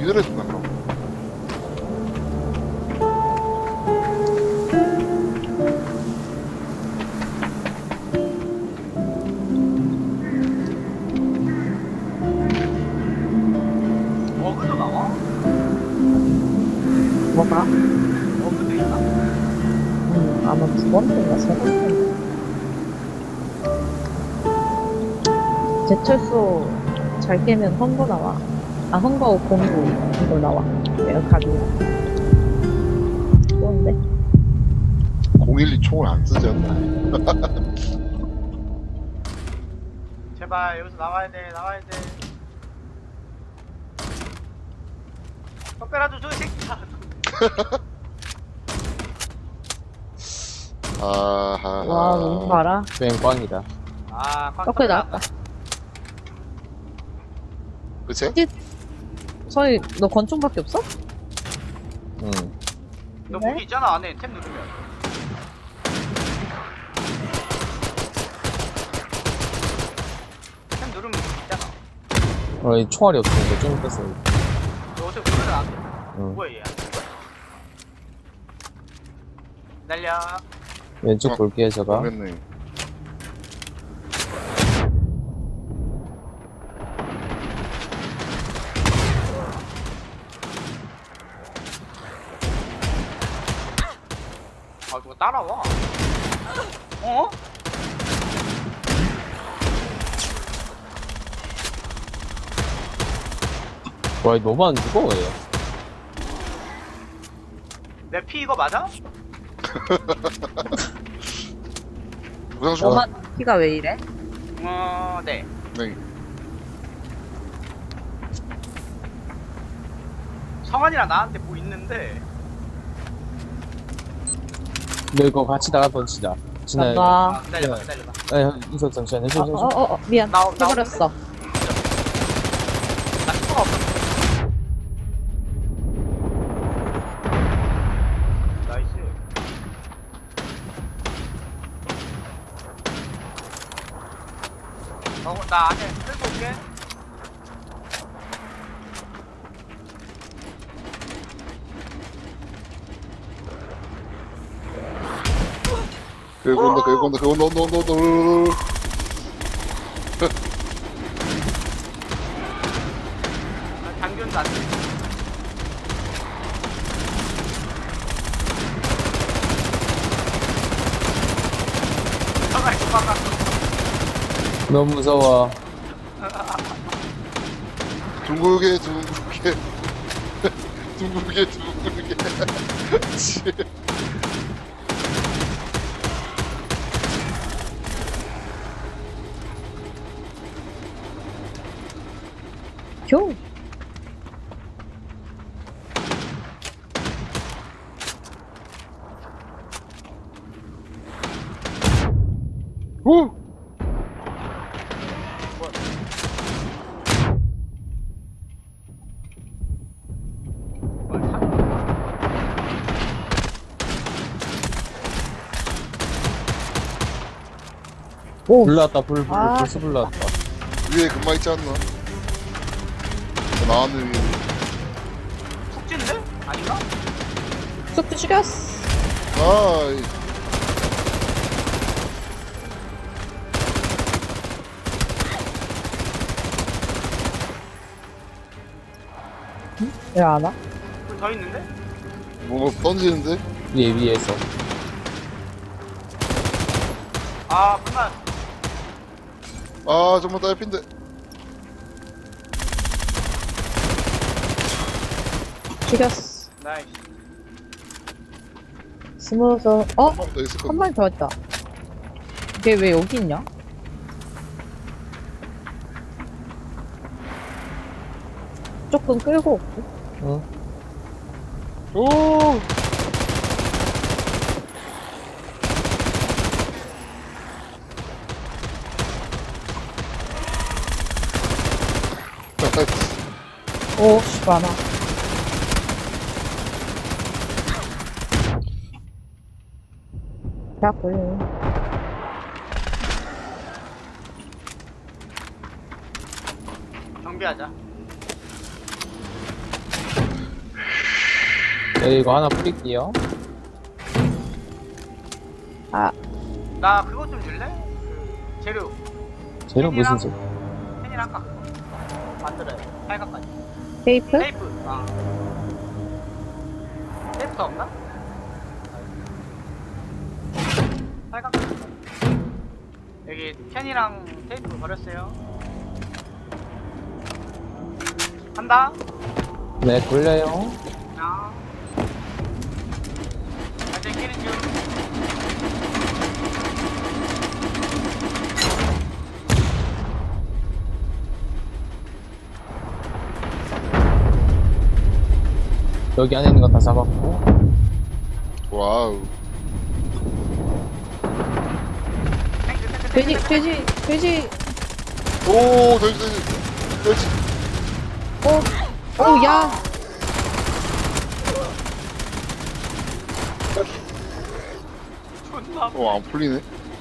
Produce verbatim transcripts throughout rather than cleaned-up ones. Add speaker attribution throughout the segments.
Speaker 1: 이래준다 그럼.
Speaker 2: 어그도 나와?
Speaker 3: 뭐가?
Speaker 2: 어그도 있나?
Speaker 3: 음, 아마 두 번째인가 세 번째인가. 제철소 잘 깨면 헝거 나와. 아, 헝거 공구 이거 나와. 내가 가지고. 좋은데?
Speaker 1: 공일이 총을 안 쓰지 않나.
Speaker 2: 제발 여기서 나와야 돼, 나와야 돼. 떡배라도 줘, 이 새끼야.
Speaker 1: 아하.
Speaker 3: 와, 너무 봐라.
Speaker 4: 웬 꽝이다.
Speaker 2: 아, 꽉
Speaker 3: 떡배 나왔다.
Speaker 1: 그치?
Speaker 3: 서희, 너 권총밖에 없어?
Speaker 4: 응.
Speaker 2: 너
Speaker 3: 네?
Speaker 2: 무기 있잖아, 안에 탭 누르면. 탭 누르면 무기 있잖아.
Speaker 4: 어, 이 총알이 없으니까 좀 뺐어.
Speaker 2: 너 어떻게 누르면 안 돼?
Speaker 4: 응.
Speaker 2: 뭐야, 얘. 날려.
Speaker 4: 왼쪽
Speaker 1: 어,
Speaker 4: 볼게요, 제가.
Speaker 1: 모르겠네.
Speaker 2: 아, 누가 따라와. 어?
Speaker 4: 와, 이 너무 안 죽어, 얘.
Speaker 2: 내 피 이거 맞아?
Speaker 1: 부상 주고.
Speaker 3: 너만 키가 왜 이래?
Speaker 2: 어, 네.
Speaker 1: 네.
Speaker 2: 성환이랑 나한테 뭐 있는데.
Speaker 4: 너 이거 같이 나가 던지자. 진아,
Speaker 3: 나,
Speaker 2: 아, 기다려봐, 기다려봐.
Speaker 4: 아, 이석 잠시만, 해줘,
Speaker 3: 어,
Speaker 4: 해줘.
Speaker 3: 어, 어, 어, 미안.
Speaker 2: 나- 나
Speaker 3: 해버렸어.
Speaker 2: 나 스포가 없어. 나이스. 어, 나 안에 끌고 올게.
Speaker 1: 그리고 온다, 그리고 온다, 그리고 온다, 온다, 온다, 온다.
Speaker 2: 아, 당근도 안 돼. 잠깐만, 잠깐만.
Speaker 4: 너무 무서워.
Speaker 1: 둥글게, 둥글게. 둥글게, 둥글게. 치.
Speaker 3: 교.
Speaker 1: 후!
Speaker 2: 뭘 사?
Speaker 3: 오,
Speaker 4: 불났다, 불, 불,
Speaker 3: 아.
Speaker 4: 불스 불났다.
Speaker 1: 위에 금방 있지 않나? 나왔네, 위에.
Speaker 2: 푹진데? 아닌가?
Speaker 3: 쑥도 죽였어.
Speaker 1: 아이.
Speaker 3: 왜 안 와?
Speaker 2: 불 더 있는데?
Speaker 1: 뭐 던지는데?
Speaker 4: 위에, 위에서.
Speaker 2: 아, 불만.
Speaker 1: 아, 정말 딸핀데.
Speaker 3: 죽였어.
Speaker 2: 나이스.
Speaker 3: 스무서, 어?
Speaker 1: 한 번 더 있을
Speaker 3: 한
Speaker 1: 건데.
Speaker 3: 마리 더 있다. 걔 왜 여기 있냐? 조금 끌고 올게.
Speaker 4: 응.
Speaker 1: 오!
Speaker 3: 오, 씨, 많아. 자꾸.
Speaker 2: 정비하자.
Speaker 4: 네, 이거 하나 뿌릴게요.
Speaker 3: 아,
Speaker 2: 나 그거 좀 줄래? 그 재료
Speaker 4: 재료 무슨 재
Speaker 2: 펜이랑 아까 그거 만들어야 돼. 팔각까지.
Speaker 3: 테이프?
Speaker 2: 테이프. 아. 테이프 더 없나? 팔각까지. 여기 펜이랑 테이프 버렸어요. 간다.
Speaker 4: 네, 돌려요.
Speaker 2: 야. 아직 끼는 중.
Speaker 4: 여기 안에 있는 거 다 잡았고.
Speaker 1: 와우.
Speaker 2: 탱크, 탱크, 탱크,
Speaker 3: 돼지,
Speaker 2: 탱크.
Speaker 3: 돼지, 돼지.
Speaker 1: 오, 돼지, 돼지. 돼지.
Speaker 3: 오, 오, 야.
Speaker 2: 존나.
Speaker 1: 어, 안 풀리네.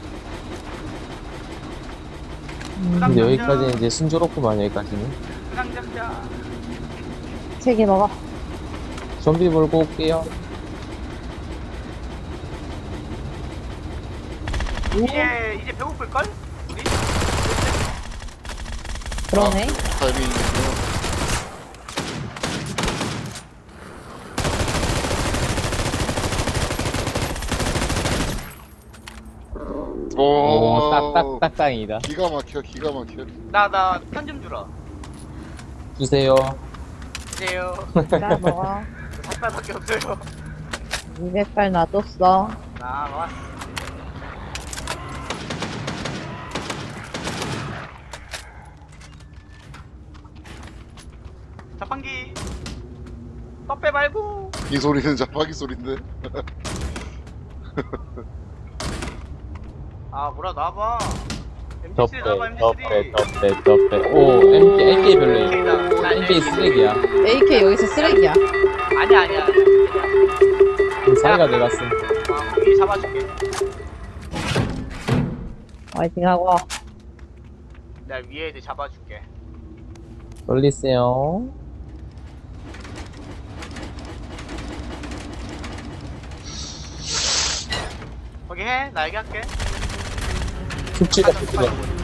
Speaker 4: 근데 여기까지는 이제 순조롭구만, 여기까지는.
Speaker 2: 그냥 잡자.
Speaker 3: 세 개 먹어.
Speaker 4: 좀비 몰고 올게요.
Speaker 2: 이제 이제 배고플 걸? 우리?
Speaker 3: 그러네.
Speaker 1: 타이밍이군요. 오,
Speaker 4: 오, 딱, 딱, 딱, 땅이다.
Speaker 1: 기가 막혀, 기가 막혀.
Speaker 2: 나나 편 좀 주라.
Speaker 4: 주세요.
Speaker 2: 주세요.
Speaker 3: 나 먹어.
Speaker 2: 닭발밖에 없어요.
Speaker 3: 이백 발 놔뒀어.
Speaker 2: 나 먹었어. 자판기. 떡배 말고.
Speaker 1: 이 소리는 자파기 소리인데.
Speaker 2: 아 뭐라 나와봐.
Speaker 4: 덮배,
Speaker 2: 엠피쓰리 나와봐
Speaker 4: 덮배,
Speaker 2: 엠피쓰리.
Speaker 4: 덮배, 덮배. 오, 엠케이, 엠케이 별로야. 엠케이 쓰레기야.
Speaker 3: 에이케이 여기서 쓰레기야.
Speaker 2: 아니야 아니야.
Speaker 4: 사이가 내갔어.
Speaker 2: 아 거기 잡아줄게.
Speaker 3: 화이팅 하고.
Speaker 2: 내가 위에 애들 잡아줄게.
Speaker 4: 돌리세요.
Speaker 2: 거기 해. 나 얘기할게.
Speaker 4: 숙취가 숙취가.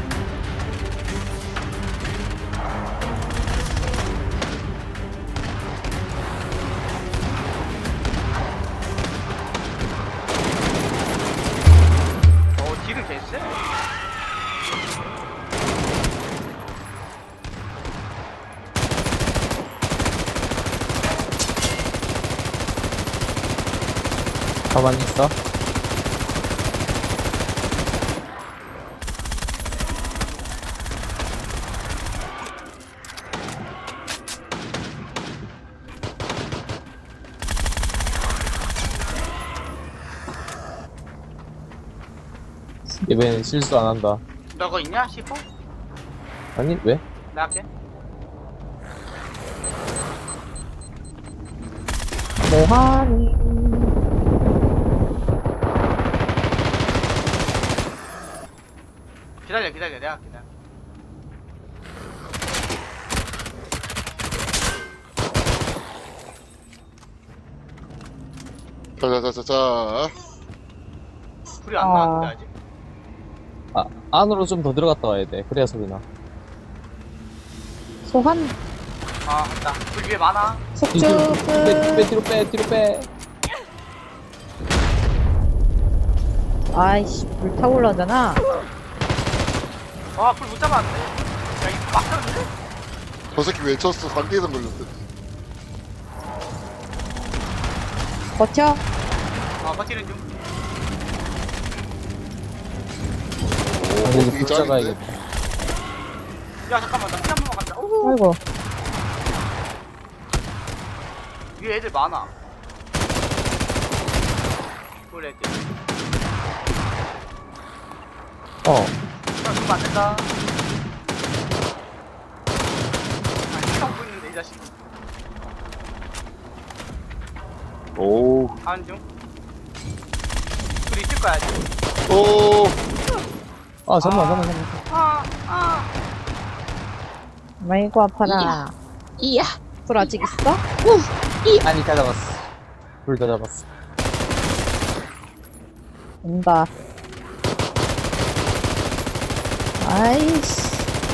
Speaker 2: 어 딜은 됐어?
Speaker 4: 가만히 있어. 이번엔 실수 안 한다.
Speaker 2: 너 그거 있냐? 시포?
Speaker 4: 아니, 왜?
Speaker 2: 내가 할게.
Speaker 3: 뭐하니?
Speaker 2: 기다려 기다려 내가 할게 내가.
Speaker 1: 자자자자자.
Speaker 2: 불이 안
Speaker 3: 아.
Speaker 2: 나왔는데 아직?
Speaker 4: 아, 안으로 좀 더 들어갔다 와야 돼. 그래야 소리 나.
Speaker 3: 소환,
Speaker 2: 아 맞다. 불 위에 많아.
Speaker 3: 속주
Speaker 4: 뒤로 빼,
Speaker 3: 끝.
Speaker 4: 빼, 뒤로 빼, 뒤로 빼.
Speaker 3: 아이씨, 불 타고 올라오잖아.
Speaker 2: 아불 못 잡았는데. 야 이거 막혔는데?
Speaker 1: 저 새끼 외쳤어. 상대에선 걸렸대.
Speaker 3: 버텨.
Speaker 2: 아 버티는 중.
Speaker 1: 오,
Speaker 4: 근데 이제
Speaker 1: 되게
Speaker 4: 불
Speaker 1: 짱인데?
Speaker 4: 잡아야겠다.
Speaker 2: 야 잠깐만 나 피 한 번만 간다. 오.
Speaker 3: 아이고.
Speaker 2: 위에 애들 많아. 불 애들.
Speaker 4: 어.
Speaker 2: 야 죽으면 안 된다. 아니 피하고 있는데 이 자식.
Speaker 1: 오,
Speaker 2: 가는 중. 불 있을 거야 아직.
Speaker 1: 오,
Speaker 4: 아, 잠깐만, 잠깐만, 잠깐만.
Speaker 2: 아 아.
Speaker 3: 아이고, 아파라.
Speaker 5: 이야.
Speaker 3: 불 아직 있어?
Speaker 4: 아니, 다 잡았어. 둘 다 잡았어.
Speaker 3: 온다. 아이씨.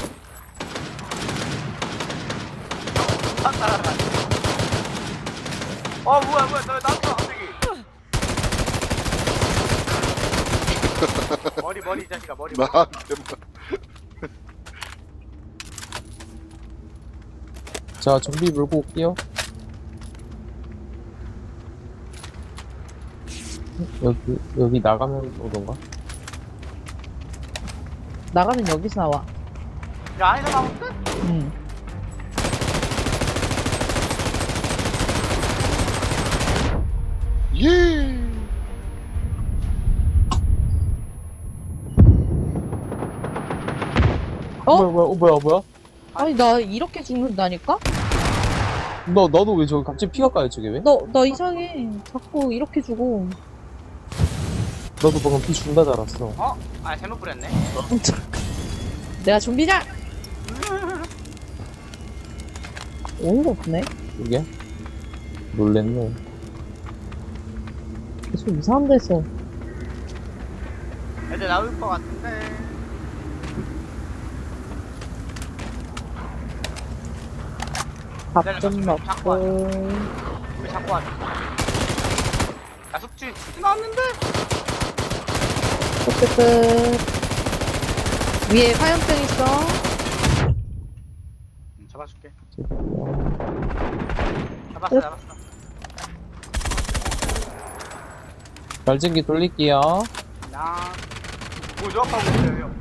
Speaker 2: 아, 따라가. 어 뭐야 뭐야 너 나왔어 갑자기. 머리 머리 이 자식아 머리. 머리.
Speaker 1: 나한테만.
Speaker 4: 자, 좀비 물고 올게요. 여기, 여기 나가면 오던가?
Speaker 3: 나가면 여기서 나와.
Speaker 2: 야 안에서 나오는데?
Speaker 3: 응.
Speaker 1: 예.
Speaker 3: 어?
Speaker 4: 뭐야, 뭐야, 어, 뭐야, 뭐야?
Speaker 3: 아니, 나 이렇게 죽는다니까?
Speaker 4: 너, 너도 왜 저기 갑자기 피가 까요, 저게 왜?
Speaker 3: 너, 너 이상해. 자꾸 이렇게 죽어.
Speaker 4: 너도 방금 피 준다 줄 알았어.
Speaker 2: 어? 아 잘못 뿌렸네.
Speaker 3: 내가 좀비냐? 어이가 없네.
Speaker 4: 이게? 놀랬네.
Speaker 3: 계속 이상한 데서.
Speaker 2: 애들 나올 것 같은데.
Speaker 3: 밥 좀 먹고.
Speaker 2: 왜 자꾸 하지? 야 숙주 나왔는데?
Speaker 3: 끝끝끝. 위에 화염병 있어.
Speaker 2: 응, 잡아줄게.
Speaker 4: 어,
Speaker 2: 잡았어
Speaker 3: 끝.
Speaker 2: 잡았어.
Speaker 4: 발전기 돌릴게요.
Speaker 2: 나. 뭐 조합하고 있어요 형.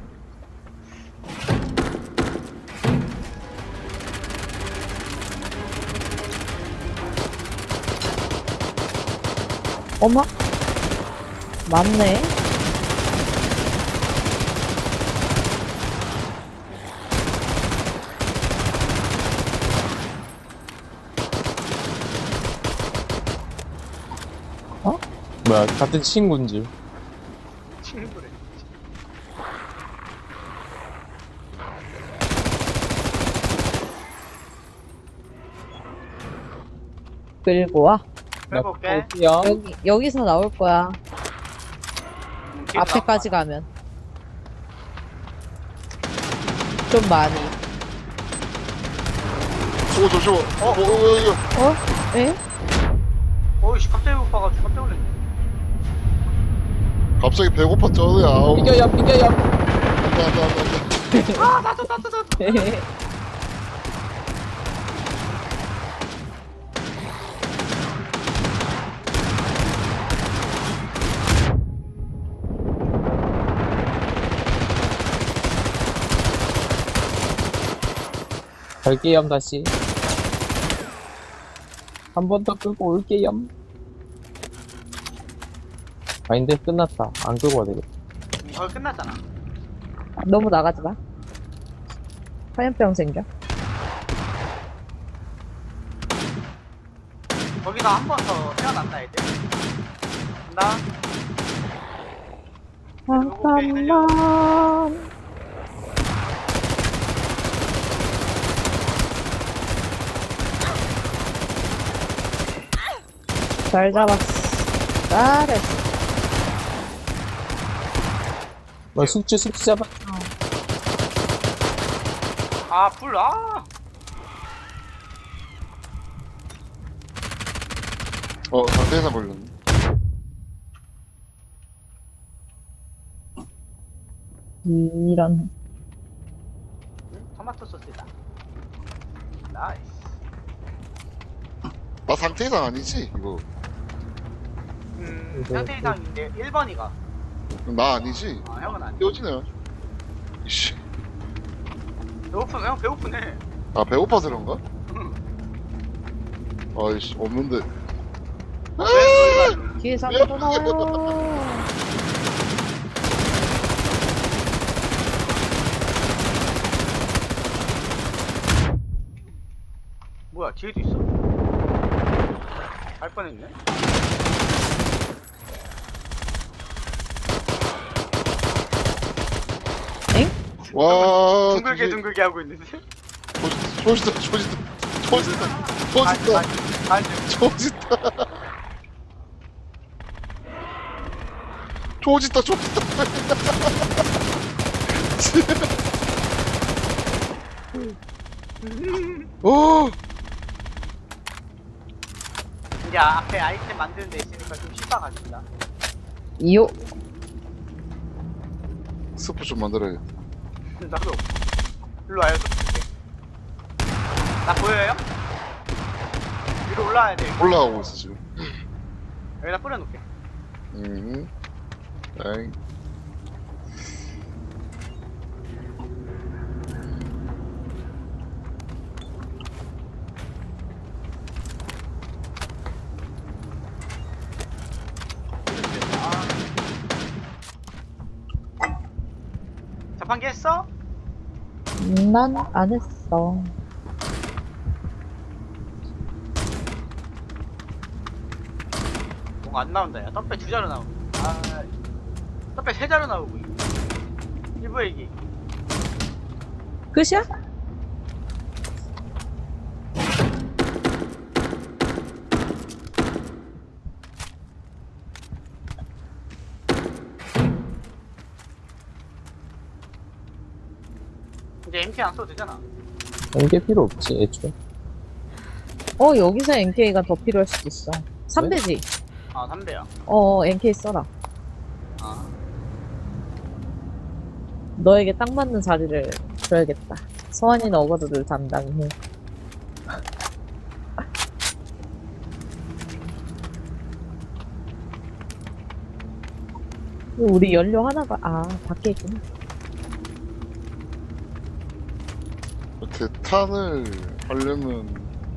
Speaker 3: 어머? 맞네.
Speaker 4: 뭐야, 같은 친구인 줄.
Speaker 2: 친구래.
Speaker 3: 끌고 와.
Speaker 2: 끌고 올게.
Speaker 4: 올게요.
Speaker 3: 여기, 여기서 나올 거야.
Speaker 2: 응, 뒤에서
Speaker 3: 앞에까지 가면. 좀 많이.
Speaker 1: 오 잠시만. 어, 어, 어, 어,
Speaker 3: 어? 에?
Speaker 2: 나와. 어이씨 갑자기 못 봐가지고 깜짝 놀랐네.
Speaker 1: 갑자기 배고팠잖아. 아우.
Speaker 4: 비겨요, 비겨요.
Speaker 1: 안돼 안돼 안돼.
Speaker 2: 아 나도 나도 나도.
Speaker 4: 갈게요, 다시. 한 번 더 끌고 올게요. 아닌데, 끝났다. 안 끌고 와야 되겠다.
Speaker 2: 응, 거의 끝났잖아.
Speaker 3: 너무 나가지 마. 화염병 생겨.
Speaker 2: 거기서 한 번 더 태어난다 애들. 간다.
Speaker 3: 잠깐만. 잘 잡았어. 잘했어.
Speaker 4: 뭐, 숙주, 숙주 잡아.
Speaker 2: 아 불 아.
Speaker 1: 어 상태에서 걸렸네.
Speaker 3: 이런.
Speaker 2: 토마토 소스다. 나이스.
Speaker 1: 나 상태 이상 아니지 이거.
Speaker 2: 음
Speaker 4: 이거-
Speaker 2: 상태 이상인데 일 번이가.
Speaker 1: 나 아니지.
Speaker 2: 아 형은 아니야.
Speaker 1: 떼어지네. 이씨.
Speaker 2: 배고프네 형 배고프네.
Speaker 1: 아 배고파서 그런가?
Speaker 2: 응.
Speaker 1: 아이씨 없는데.
Speaker 3: 뒤에 사람도 나와요.
Speaker 2: 뭐야 뒤에도 있어? 갈 뻔했네.
Speaker 1: 와.
Speaker 2: 둥글게
Speaker 1: 되게-
Speaker 2: 둥글게 하고 있는데.
Speaker 1: 조지다 조지다 조지다 조지다
Speaker 2: 반,
Speaker 1: 조지다
Speaker 2: 반, 반 중.
Speaker 1: 조지다. 조짓다 조짓다. 어.
Speaker 2: 이제 앞에 아이템 만드는 데 있으니까 좀 쉽다 같습니다.
Speaker 3: 이요.
Speaker 1: 스프 좀 만들어야겠다.
Speaker 2: 나도. 일로 와요, 좀 줄게. 나 보여요? 위로 올라와야 돼.
Speaker 1: 올라가고 있어 지금.
Speaker 2: 여기다 뿌려놓게.
Speaker 1: 음. 땡.
Speaker 2: 자판기 했어?
Speaker 3: 난 안 했어.
Speaker 2: 뭔가 안 나온다, 야. 떡배 두 자루 나오고. 아, 떡배 세 자루 나오고. 일부 얘기.
Speaker 3: 끝이야?
Speaker 2: 이제 엠케이 안 써도 되잖아.
Speaker 4: 연계 필요 없지, 애초에.
Speaker 3: 어, 여기서 엔케이가 더 필요할 수도 있어. 삼 배지?
Speaker 2: 아, 삼 배야.
Speaker 3: 어, 엔케이 써라.
Speaker 2: 아.
Speaker 3: 너에게 딱 맞는 자리를 줘야겠다. 서한이는 어거드를 담당해. 우리 연료 하나가, 아, 밖에 있구나.
Speaker 1: 대탄을 하려면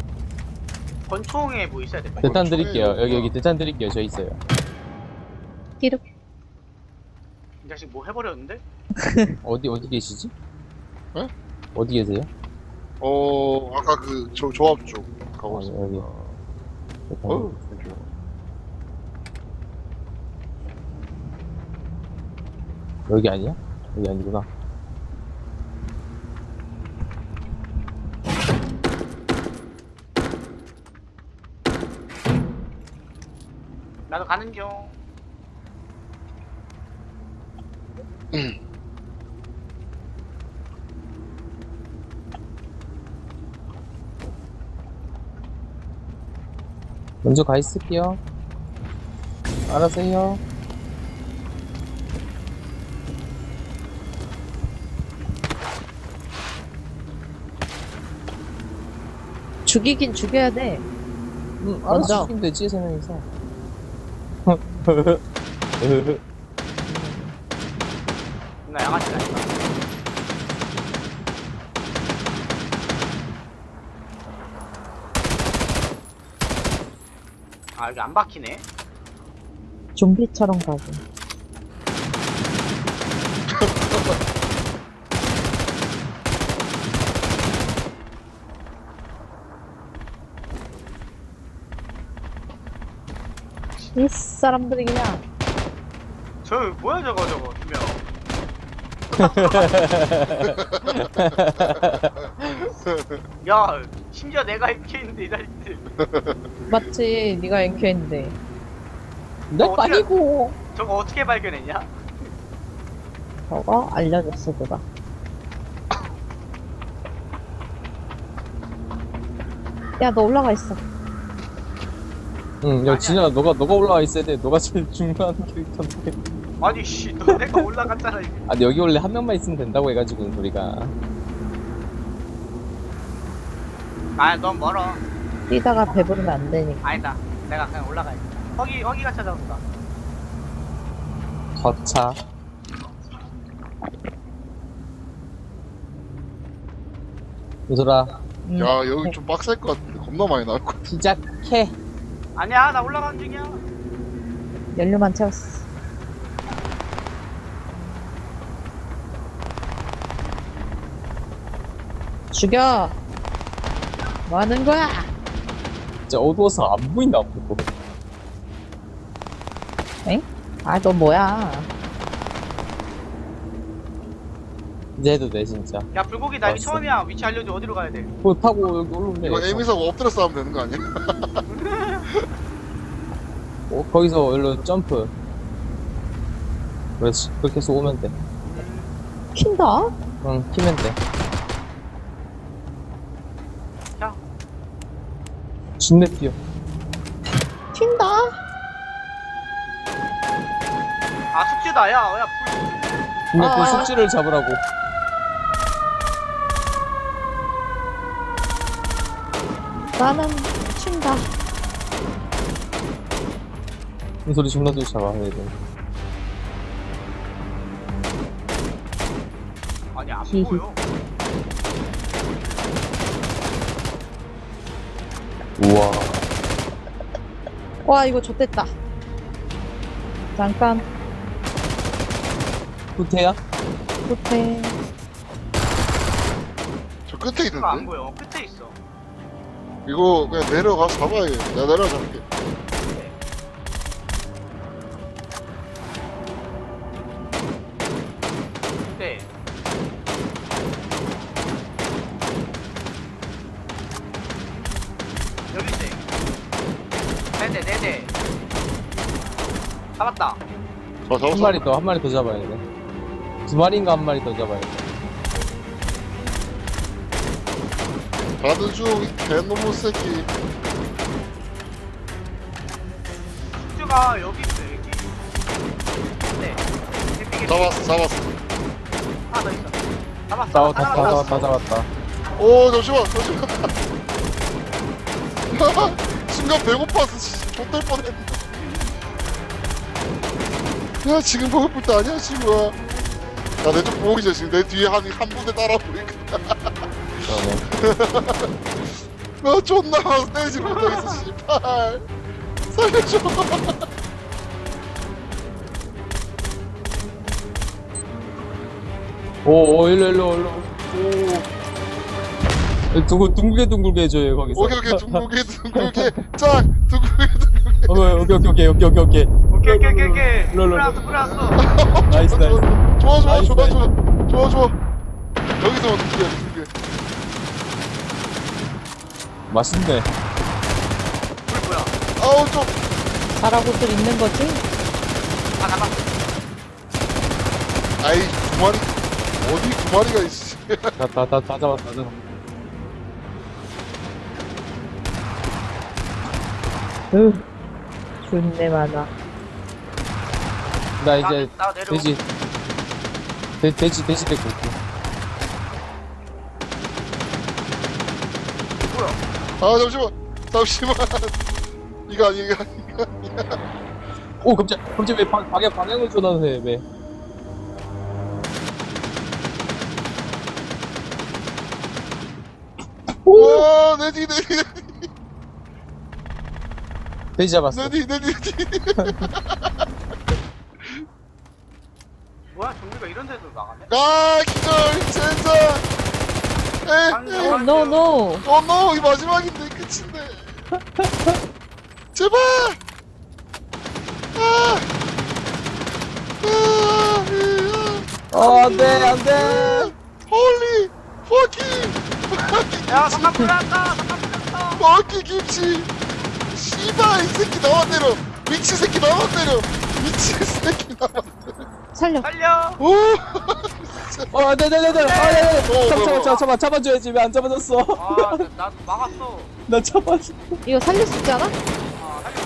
Speaker 2: 권총에 뭐 있어야 돼. 빨리.
Speaker 4: 대탄
Speaker 1: 총이
Speaker 4: 드릴게요. 여기,
Speaker 1: 없구나.
Speaker 4: 여기 대탄 드릴게요. 저 있어요.
Speaker 3: 끼륵.
Speaker 2: 이 자식 뭐 해버렸는데?
Speaker 4: 어디, 어디 계시지?
Speaker 1: 에?
Speaker 4: 어디 계세요?
Speaker 1: 어 아까 그 조, 조합 쪽 가고
Speaker 4: 아,
Speaker 1: 있어.
Speaker 4: 여기. 대탄.
Speaker 1: 어우 땡큐.
Speaker 4: 여기 아니야? 여기 아니구나.
Speaker 2: 나도 가는 중.
Speaker 4: 먼저 가 있을게요. 알아서 해요.
Speaker 3: 죽이긴 죽여야 돼.
Speaker 4: 음,
Speaker 3: 먼저.
Speaker 4: 알아서 죽이면 되지, 세 명이서.
Speaker 2: 나 양아치 아니야. 아, 여기 안 박히네.
Speaker 3: 좀비처럼 가고. 이 사람들이 그냥
Speaker 2: 저 뭐야 저거 저거 두 명. 야, 심지어 내가 이렇게 있는데 이 자식들.
Speaker 3: 맞지? 네가 엔큐했는데
Speaker 4: 내
Speaker 2: 어, 어떻게-
Speaker 4: 아니고.
Speaker 2: 저거 어떻게 발견했냐?
Speaker 3: 저거 알려줬어 누가. 야 너 올라가 있어.
Speaker 4: 응, 야,
Speaker 2: 아니야.
Speaker 4: 진아, 너가, 너가 올라와 있어야 돼. 너가 제일 중요한 캐릭터인데.
Speaker 2: 아니 씨, 너 내가 올라갔잖아. 이거.
Speaker 4: 아, 근데 여기 원래 한 명만 있으면 된다고 해가지고, 우리가.
Speaker 2: 아, 넌 멀어.
Speaker 3: 뛰다가 배부르면 안 되니까.
Speaker 2: 아니다. 내가 그냥 올라가야겠다. 허기 허기가 찾아온다.
Speaker 4: 거차. 유솔아,
Speaker 3: 음,
Speaker 1: 야 여기 좀 빡셀 것 같은데 겁나 많이 나올 것 같아.
Speaker 4: 시작해.
Speaker 2: 아니야, 나 올라가는 중이야.
Speaker 3: 연료만 채웠어. 죽여. 뭐 하는 거야?
Speaker 4: 진짜 어두워서 안 보인다, 아무것도.
Speaker 3: 엥? 아 너 뭐야?
Speaker 4: 이제 해도 돼, 진짜.
Speaker 2: 야, 불고기 나 여기
Speaker 4: 왔어.
Speaker 2: 처음이야. 위치 알려줘. 어디로 가야 돼?
Speaker 4: 그거 타고 여기 올라오면 돼.
Speaker 1: 이거 에미사 엎드려 싸우면 되는 거 아니야?
Speaker 4: 어, 거기서 일로 점프. 그렇지. 그렇게 해서 오면 돼.
Speaker 3: 튄다?
Speaker 4: 응, 키면 돼.
Speaker 2: 자,
Speaker 4: 진내 뛰어.
Speaker 3: 튄다?
Speaker 2: 아 숙제다. 야, 야, 불.
Speaker 4: 근데
Speaker 3: 아,
Speaker 4: 그
Speaker 3: 아.
Speaker 4: 숙지를 잡으라고.
Speaker 3: 나는 튄다.
Speaker 4: 이 소리 존나 쫓아와, 얘들.
Speaker 2: 아니 안
Speaker 3: 히히.
Speaker 2: 보여.
Speaker 4: 우와.
Speaker 3: 와, 이거 좋댔다. 잠깐,
Speaker 4: 후퇴야?
Speaker 3: 호텔.
Speaker 1: 저 끝에
Speaker 2: 이거 안
Speaker 1: 있는데?
Speaker 2: 보여. 끝에 있어.
Speaker 1: 이거 그냥 내려가서 잡아야겠다. 내가 내려가 잡을게.
Speaker 2: 네. 여기 있네. 네네 네네. 잡았다.
Speaker 1: 자, 잡았어.
Speaker 4: 한 마리 더, 한 마리 더 잡아야 돼. 두 마리인가 한 마리 더 잡아야 돼.
Speaker 1: 가드 중, 이 개놈의 새끼.
Speaker 2: 숙주가 여기 있어 여기. 네. 해피게
Speaker 1: 잡았어, 잡았어.
Speaker 2: 하나 더 있어. 잡았어.
Speaker 4: 다, 다,
Speaker 2: 잡았어.
Speaker 4: 다, 다, 다 잡았다.
Speaker 1: 오, 잠시만, 잠시만. 순간 배고파서, 씨, 좆될 뻔했네. 야, 지금 배고플 때 아니야, 친구야. 야, 내 쪽 보기 전에 지금 내 뒤에 한, 한 분대 따라오고 있거든.
Speaker 4: 그러네.
Speaker 1: 나 존나 때리지 못하겠어, 씨발. 살려줘.
Speaker 4: 오, 오, 일로, 일로, 일로. 오. 둥글, 둥글게, 둥글게 해줘요, 거기서.
Speaker 1: 오케이, 오케이, 둥글게, 둥글게. 짝, 둥글게, 둥글게.
Speaker 4: 오케이, 오케이, 오케이, 오케이, 오케이, 오케이.
Speaker 2: 오케이 오케이 오케이 오케이.
Speaker 4: 일로, 일로,
Speaker 2: 불났어
Speaker 4: 일로.
Speaker 2: 불났어.
Speaker 4: 나이스, 나이스.
Speaker 1: 좋아, 좋아,
Speaker 4: 나이스,
Speaker 1: 좋아,
Speaker 4: 나이스.
Speaker 1: 좋아. 좋아, 좋아. 여기서 둥글게, 둥글게.
Speaker 4: 맛있네.
Speaker 2: 불 뭐야?
Speaker 1: 아우, 좀.
Speaker 3: 잘하고들 있는 거지?
Speaker 2: 아 잡았어.
Speaker 1: 아이, 두 마리. 어디 두 마리가 있지?
Speaker 4: 다, 다, 다, 다 잡았다, 다 잡았다.
Speaker 3: 으, 존내 많아.
Speaker 4: 나 이제,
Speaker 2: 나, 나 내려오.
Speaker 4: 돼지, 돼, 돼지, 돼지 데리고 올게.
Speaker 2: 뭐야?
Speaker 1: 아, 잠시만. 잠시만. 이거 아니, 이거 아니, 이거 아니야.
Speaker 4: 오, 깜짝, 깜짝 왜 방, 방향, 방향을 전환해, 왜?
Speaker 1: 와, 내 뒤, 내 뒤, 내 뒤,
Speaker 4: 돼지 잡았어.
Speaker 1: 내 뒤, 내 뒤, 내 뒤.
Speaker 2: 뭐야? 좀비가 이런 데서 나가네?
Speaker 1: 아, 기절, 젠장. 에이, 에이.
Speaker 3: 어, 노, 노.
Speaker 1: 어, 노, 이 마지막인데, 끝인데. 제발! 아! 아!
Speaker 4: 어, 안 돼, 안 돼!
Speaker 1: 홀리! 퍼킹!
Speaker 2: 야 잠깐 불났다. 잠깐 불났다.
Speaker 1: 퍼킹 김치! 씨발, 이 새끼 나와 때려! 미친 새끼 나와 때려! 미친 새끼 나와 때려!
Speaker 3: 살려.
Speaker 2: 살려.
Speaker 1: 오!
Speaker 4: 어, 안 돼, 안 돼, 안 돼! 아, 네, 네,
Speaker 1: 어,
Speaker 4: 잡아,
Speaker 1: 뭐야,
Speaker 4: 잡아,
Speaker 1: 뭐야.
Speaker 4: 잡아, 잡아, 잡아줘야지. 왜 안 잡아줬어?
Speaker 2: 아, 나- 나 막았어.
Speaker 4: 나 잡아줘.
Speaker 3: 이거 살릴 수 있지 않아?
Speaker 2: 아, 살려.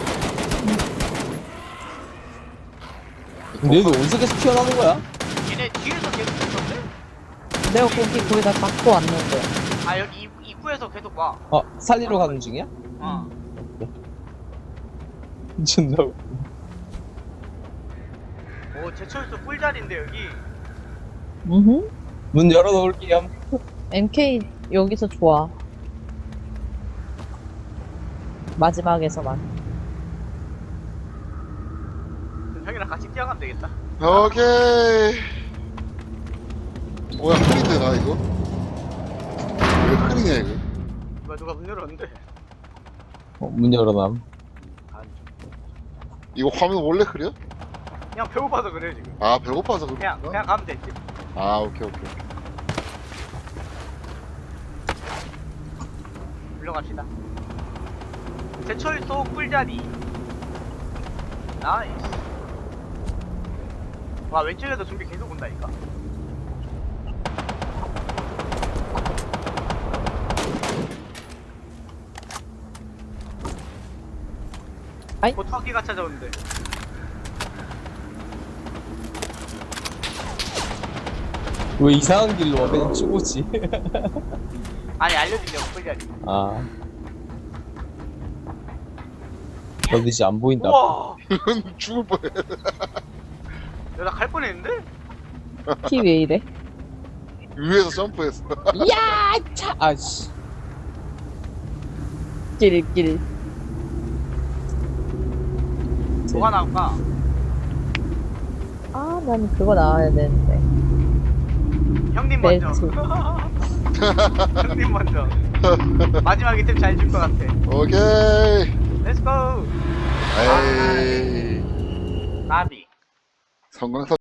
Speaker 4: 근데 얘도 어디서 계속 튀어나오는 거야?
Speaker 2: 얘네 뒤에서 계속 있었는데?
Speaker 3: 내가 거기 거기다 막고 왔는데.
Speaker 2: 아 여기 입, 입구에서 계속 와.
Speaker 4: 어, 살리러 가는 중이야?
Speaker 2: 어.
Speaker 4: 존나. 웃-
Speaker 2: 오 제철소 꿀자리인데 여기.
Speaker 3: 음.
Speaker 4: 문 열어놓을게요.
Speaker 3: 엠케이 여기서 좋아. 마지막에서만.
Speaker 2: 형이랑 같이 뛰어가면 되겠다.
Speaker 1: 오케이. 뭐야, 흐린데, 나 이거? 왜 흐리냐, 이거?
Speaker 2: 누가 누가 문 열었는데.
Speaker 4: 어, 문 열어놔.
Speaker 2: 아,
Speaker 1: 이거 화면 원래 흐려?
Speaker 2: 그냥 배고파서 그래 지금.
Speaker 1: 아, 배고파서
Speaker 2: 그냥
Speaker 1: 그렇구나.
Speaker 2: 그냥 가면 되지.
Speaker 1: 아, 오케이, 오케이, 오케이.
Speaker 2: 물러갑시다. 제철소 꿀자리. 나이스. 와 왼쪽에도 좀비 계속 온다니까.
Speaker 3: 아이.
Speaker 2: 곧 터키가 찾아오는데.
Speaker 4: 왜 이상한 길로 와 그냥 죽었지?
Speaker 2: 아니 알려주려고 끌려야지.
Speaker 4: 아 어디지 안 보인다.
Speaker 2: 우와.
Speaker 1: 죽을 뻔해.
Speaker 2: 야나 갈 뻔했는데?
Speaker 3: 키 왜 이래?
Speaker 1: 위에서 점프했어.
Speaker 4: 야 차! 아씨
Speaker 3: 길길.
Speaker 2: 뭐가 나올까?
Speaker 3: 아, 난 그거 나와야 되는데.
Speaker 2: 형님 먼저.
Speaker 3: 벨트.
Speaker 2: 형님 먼저. 마지막 이템 잘 줄 것 같아.
Speaker 1: 오케이.
Speaker 2: 렛츠고.
Speaker 1: 에이.
Speaker 2: 나비.
Speaker 1: 성광